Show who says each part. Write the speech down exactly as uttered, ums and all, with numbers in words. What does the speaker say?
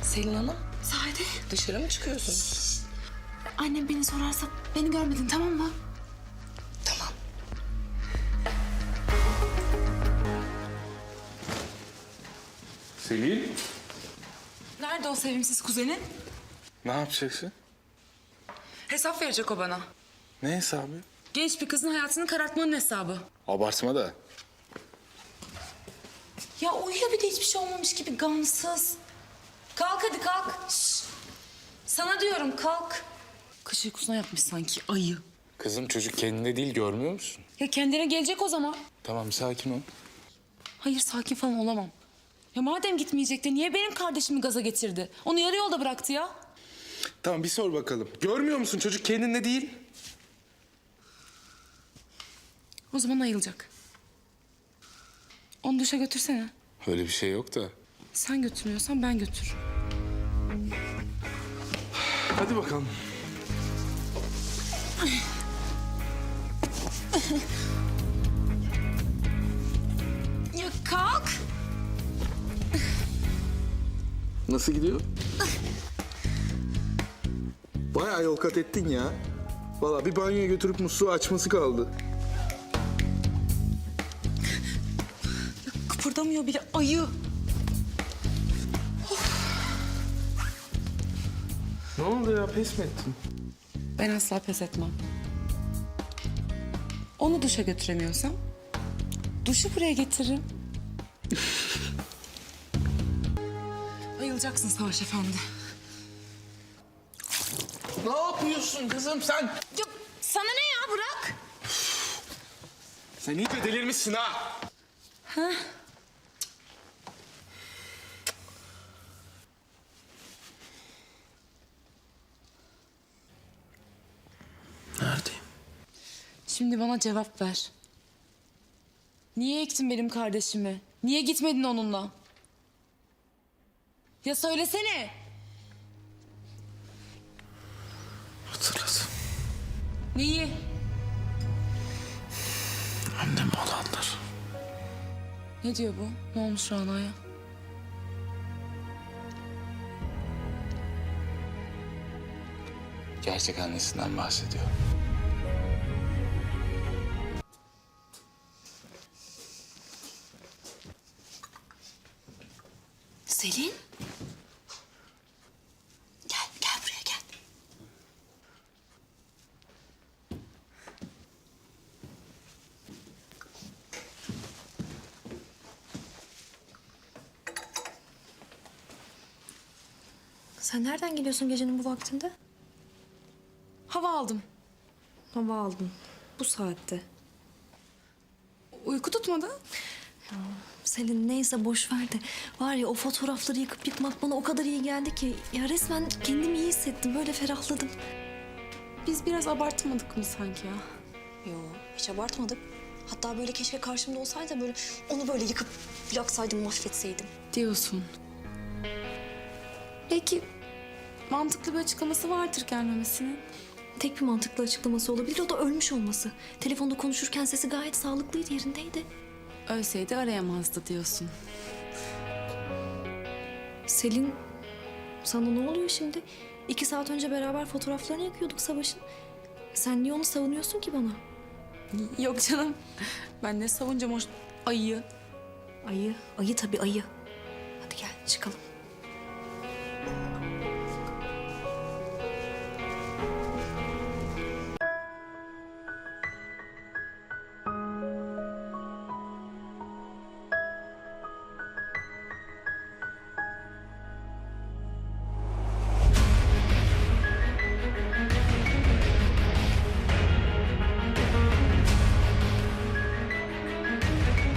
Speaker 1: Selin Hanım,
Speaker 2: Sade.
Speaker 1: dışarı mı çıkıyorsunuz?
Speaker 2: Annem beni sorarsa beni görmedin, tamam mı?
Speaker 1: Tamam.
Speaker 3: Selin,
Speaker 2: Nerede o sevimsiz kuzenin?
Speaker 3: ne yapacaksın?
Speaker 2: Hesap verecek o bana.
Speaker 3: Ne hesabı?
Speaker 2: Genç bir kızın hayatını karartmanın hesabı.
Speaker 3: Abartma da.
Speaker 2: Ya uyuyor, bir de hiçbir şey olmamış gibi gamsız. Kalk hadi kalk. Şş. Sana diyorum kalk. Kış uykusuna yatmış sanki ayı.
Speaker 3: Kızım çocuk kendinde değil, görmüyor musun?
Speaker 2: Ya kendine gelecek o zaman.
Speaker 3: Tamam, sakin ol.
Speaker 2: Hayır, sakin falan olamam. Ya madem gitmeyecekti niye benim kardeşimi gaza getirdi? Onu yarı yolda bıraktı ya.
Speaker 3: Tamam, bir sor bakalım. Görmüyor musun çocuk kendinde değil?
Speaker 2: O zaman ayılacak. Onu duşa götürsene.
Speaker 3: Öyle bir şey yok da.
Speaker 2: Sen götürmüyorsan ben götür.
Speaker 3: Hadi bakalım.
Speaker 2: Ya kalk.
Speaker 4: Nasıl gidiyor? Bayağı yol kat ettin ya. Vallahi bir banyoya götürüp musluğu açması kaldı.
Speaker 2: Kıpırdamıyor bile ayı.
Speaker 3: Ne oldu ya, pes mi ettin?
Speaker 2: Ben asla pes etmem. Onu duşa götüremiyorsam duşu buraya getiririm. Ayılacaksın Savaş Efendi.
Speaker 3: Ne yapıyorsun kızım sen?
Speaker 2: Ya sana ne ya, bırak.
Speaker 3: Sen iyice delirmişsin ha.
Speaker 4: Neredeyim?
Speaker 2: Şimdi bana cevap ver. Niye ektin benim kardeşimi? Niye gitmedin onunla? Ya söylesene.
Speaker 4: Hatırladım.
Speaker 2: Neyi?
Speaker 4: Anneme olanlar.
Speaker 2: Ne diyor bu? Ne olmuş Rana'ya?
Speaker 3: Gerçek annesinden bahsediyor.
Speaker 2: Selin? Gel, gel buraya gel.
Speaker 5: Sen nereden geliyorsun gecenin bu vaktinde?
Speaker 2: Hava aldım.
Speaker 5: Hava aldın. Bu saatte.
Speaker 2: Uyku tutmadı.
Speaker 5: Selin neyse boş ver de. Var ya o fotoğrafları yıkıp yıkmak bana o kadar iyi geldi ki. Ya resmen kendimi iyi hissettim. Böyle ferahladım.
Speaker 2: Biz biraz abartmadık mı sanki ya?
Speaker 5: Yo hiç abartmadık. Hatta böyle keşke karşımda olsaydı böyle onu böyle yıkıp yaksaydım, mahvetseydim.
Speaker 2: Diyorsun. Belki mantıklı bir açıklaması vardır gelmemesinin.
Speaker 5: Tek bir mantıklı açıklaması olabilir, o da ölmüş olması. Telefonda konuşurken sesi gayet sağlıklıydı, yerindeydi.
Speaker 2: Ölseydi arayamazdı diyorsun.
Speaker 5: Selin, sana ne oluyor şimdi? İki saat önce beraber fotoğraflarını yakıyorduk Savaş'ın. Sen niye onu savunuyorsun ki bana?
Speaker 2: Yok canım. Ben ne savunacağım o ayıyı.
Speaker 5: Ayı, ayı tabii ayı. Hadi gel çıkalım.